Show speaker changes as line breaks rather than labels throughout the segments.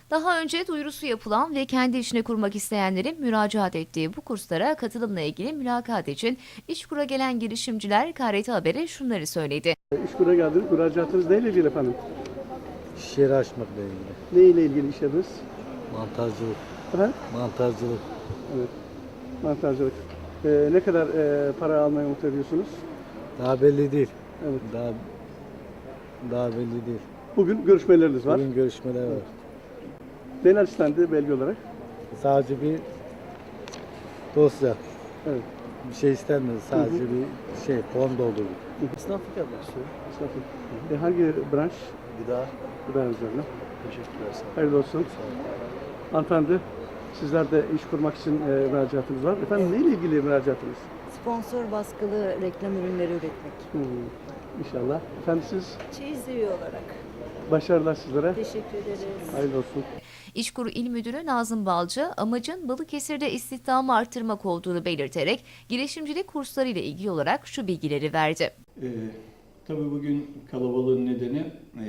Daha önce duyurusu yapılan ve kendi işini kurmak isteyenlerin müracaat ettiği bu kurslara katılımla ilgili mülakat için İşkur'a gelen girişimciler KRT Haber'e şunları söyledi.
İşkur'a geldiniz. Müracaatınız neyle ilgili efendim?
İş yeri açmakla ilgili.
Ne ile ilgili iş yapıyorsunuz?
Mantarcılık.
Efendim?
Mantarcılık.
Evet. Mantarcılık. Ne kadar para almayı umut ediyorsunuz?
Daha belli değil.
Evet.
Daha belli değil.
Bugün görüşmeleriniz var.
Bugün görüşmeler var.
Neler istendi belge olarak?
Sadece bir dosya.
Evet.
Bir şey istenmedi. Sadece bir şey, form doldurduk.
Esnaflık yapmak istiyorum.
Esnafım. Hangi branş?
Gıda.
Gıda üzerine.
Teşekkürler. Sağ olun.
Hayırlı olsun. Hanımefendi, sizler de iş kurmak için müracaatınız var. Efendim neyle ilgili müracaatınız?
Sponsor baskılı reklam ürünleri üretmek.
İnşallah. Efendim siz
Çeyiz üye olarak.
başarılar sizlere.
Teşekkür ederiz.
Hayırlı olsun.
İşkur İl Müdürü Nazım Balcı, amacın Balıkesir'de istihdamı artırmak olduğunu belirterek girişimcilik kursları ile ilgili olarak şu bilgileri verdi.
Tabii bugün kalabalığın nedeni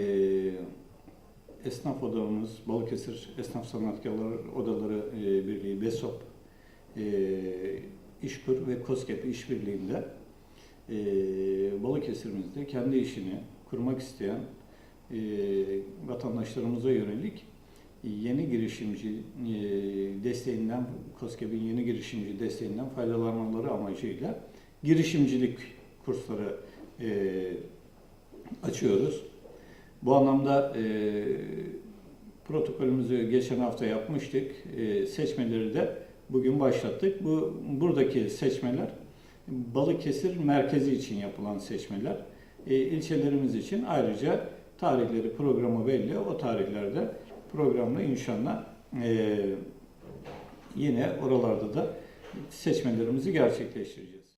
esnaf odamız, Balıkesir Esnaf Sanatkarları Odaları Birliği, BESOP, İşkur ve KOSGEB işbirliğinde Balıkesir'imizde kendi işini kurmak isteyen vatandaşlarımıza yönelik yeni girişimci desteğinden, KOSGEB'in yeni girişimci desteğinden faydalanmaları amacıyla girişimcilik kursları açıyoruz. Bu anlamda protokolümüzü geçen hafta yapmıştık. Seçmeleri de bugün başlattık. Buradaki seçmeler Balıkesir merkezi için yapılan seçmeler. İlçelerimiz için ayrıca tarihleri, programı belli. O tarihlerde programla inşallah yine oralarda da seçmelerimizi gerçekleştireceğiz.